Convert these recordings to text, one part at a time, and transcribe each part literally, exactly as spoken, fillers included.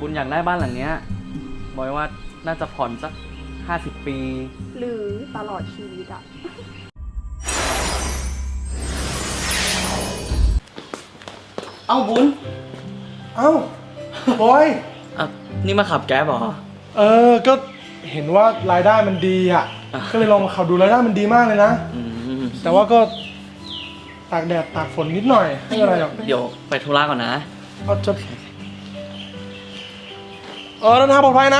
บุญอยากได้บ้านหลังเนี้ยบอยว่าน่าจะผ่อนสักห้าสิบปีหรือตลอดชีวิตอะเอ้าบุญเอ้าบอยอ่ะนี่มาขับแก๊ปเหรอเออก็เห็นว่ารายได้มันดีอ่ะอ่ะก็เลยลองมาขับดูรายได้มันดีมากเลยนะอืมแต่ว่าก็ตากแดดตากฝนนิดหน่อยไม่เป็นไรหรอกเดี๋ยวไปธุระก่อนนะเอาจะเออเดินทางปลอดภัยนะ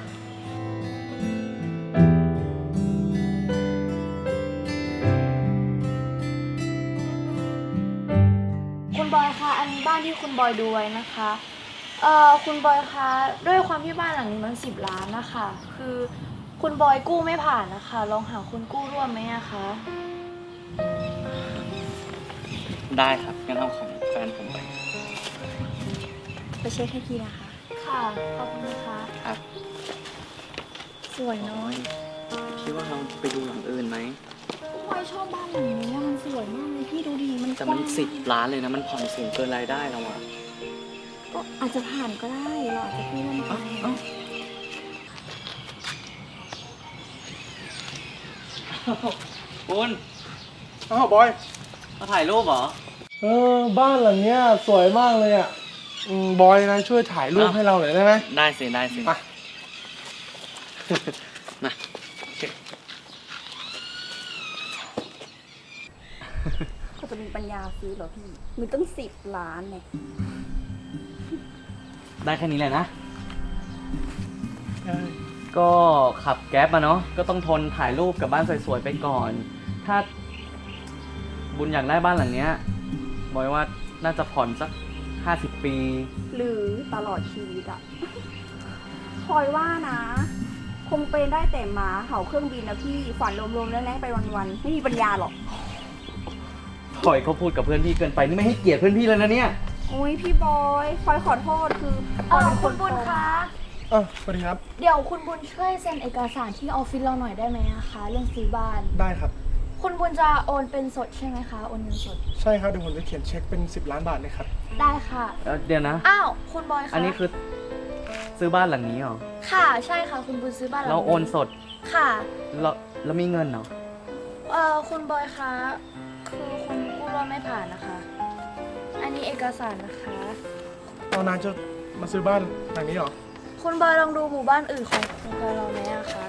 คุณบอยคะอันนี้บ้านที่คุณบอยดูไว้นะคะเอ่อคุณบอยคะด้วยความที่บ้านหลังนี้มันสิบล้านนะคะคือคุณบอยกู้ไม่ผ่านนะคะลองหาคนกู้ร่วมไหมอะคะได้ครับงั้นเอาของแฟนผมไปไปเช็คให้ทีนะคะ ค่ะขอบคุณนะคะครับสวยน้อยคิดว่าเราไปดูหลังอื่นไหมคุณบอยชอบบ้านหลังนี้มันสวยมากเลยพี่ดูดีมันแต่มันกว้างสิบล้านเลยนะมันผ่อนสูงเกินรายได้เราอะก็อาจจะผ่านก็ได้เราอาจจะกู้ร่วมกัเอ้าน เอ้าบุญเอ้าบอยมาถ่ายรูปเหรอเออบ้านหลังเนี้ยสวยมากเลยอ่ะอืมบอยนายช่วยถ่ายรูปอ้าวให้เราหน่อยได้ไหมได้สิได้สิมามาโอเคเขาจะมีปัญญาซื้อเหรอพี่มันตั้งสิบล้านเนี่ยได้แค่นี้เลยนะ ก็ขับแก๊ปมาเนาะก็ต้องทนถ่ายรูปกับบ้านสวยๆไปก่อน ถ้าบุญอยากได้บ้านหลังเนี้ยบอยว่าน่าจะผ่อนสักห้าสิบปีหรือตลอดชีวิตอะพลอยว่านะ คงเป็นได้แต่หมาเห่าเครื่องบินนะพี่ฝันรวมๆแล้วแล้ไปวันๆไม่มีปัญญาหรอกปล่อยเขาพูดกับเพื่อนพี่เกินไปนี่ไม่ให้เกียรติเพื่อนพี่เลยนะเนี่ยโอ้ยพี่บอยพลอยขอโทษคือพลอยเป็นคนบุญคะเออสวัสดีครับเดี๋ยวคุณบุญช่วยเซ็นเอกสารที่ออฟฟิศเราหน่อยได้ไหมอะคะเรื่องซื้อบ้านได้ครับคุณบุญจะโอนเป็นสดใช่ไหมคะโอนเงินสดใช่ครับเดี๋ยวผมจะเขียนเช็คเป็นสิบล้านบาทเลยครับได้ค่ะเอ่อเดี๋ยวนะอ้าวคุณบอยคะอันนี้คือซื้อบ้านหลังนี้เหรอค่ะใช่ค่ะคุณบุญซื้อบ้านหลังเราโอนสดค่ะเราเรามีเงินเหรอเอ่อคุณบอยคะคือคุณกู้ร่วมไม่ผ่านนะคะ อันนี้เอกสารนะคะตอนนายจะมาซื้อบ้านหลังนี้เหรอคุณบอยลองดูหมู่บ้านอื่นของโครงการเราไหมอะคะ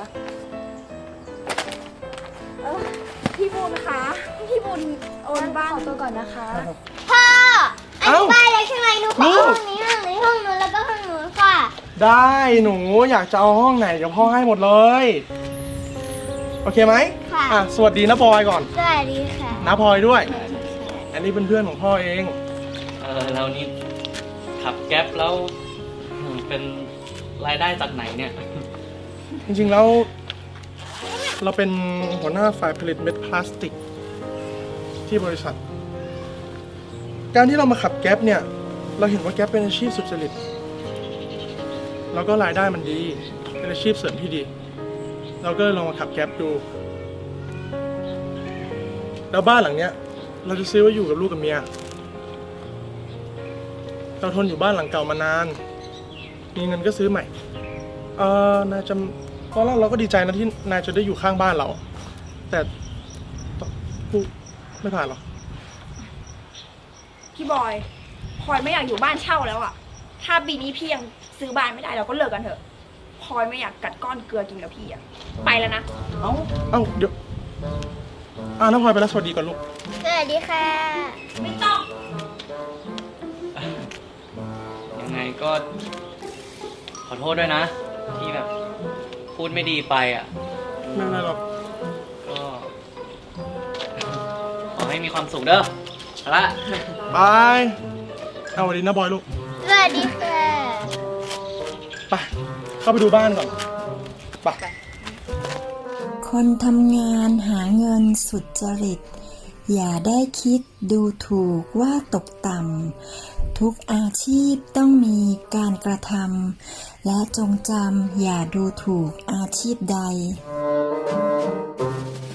เออพี่บุญคะพี่บุญโอนบ้านขอตัวก่อนนะคะพ่ออันเอ้านี้บ้านเล็กใช่ไหมหนูขอลูกห้องนี้ห้องนี้ห้องนู้นแล้วก็ห้องนู้นค่ะได้หนูอยากจะเอาห้องไหนเดี๋ยวพ่อให้หมดเลย โอเคไหมค่ะอ่ะสวัสดีนะบอยก่อนสวัสดีค่ะนะพลอยด้วย อันนี้เป็นเพื่อนของพ่อเองเออเรานี่ขับแก๊ปแล้วเป็นรายได้จากไหนเนี่ยจริงๆแล้ว เราเป็นหัวหน้าฝ่ายผลิตเม็ดพลาสติก ที่บริษัท การที่เรามาขับแก๊ปเนี่ย เราเห็นว่าแก๊ปเป็นอาชีพสุจริตแล้วก็รายได้มันดี เป็นอาชีพเสริมที่ดี เราก็เลยลองมาขับแก๊ปดู แล้วบ้านหลังเนี้ย เราจะซื้อไว้อยู่กับลูกกับเมีย เราทนอยู่บ้านหลังเก่ามานาน มีเงินก็ซื้อใหม่ เออนายจำตอนแรกเราก็ดีใจนะที่นายจะได้อยู่ข้างบ้านเรา แต่กูไม่ผ่านหรอกพี่บอยพลอยไม่อยากอยู่บ้านเช่าแล้วอะถ้าปีนี้พี่ยังซื้อบ้านไม่ได้เราก็เลิกกันเถอะพลอยไม่อยากกัดก้อนเกลือกินกับพี่อะไปแล้วนะเอ้าเอ้าเดี๋ยวอ่าน้องพลอยไปแล้วสวัสดีก่อนลูกสวัสดีค่ะไม่ต้องยังไงก็ขอโทษด้วยนะ ที่แบบพูดไม่ดีไปอ่ะไม่เป็นไรหรอกก็ ขอให้มีความสุขเด้อเอาละไปเอาสวัสดีนะบอยลูกสวัสดีค่ะไป เข้าไปดูบ้านก่อน ไปคนทำงานหาเงินสุจริต อย่าได้คิดดูถูกว่าตกต่ำทุกอาชีพต้องมีการกระทำและจงจำอย่าดูถูกอาชีพใด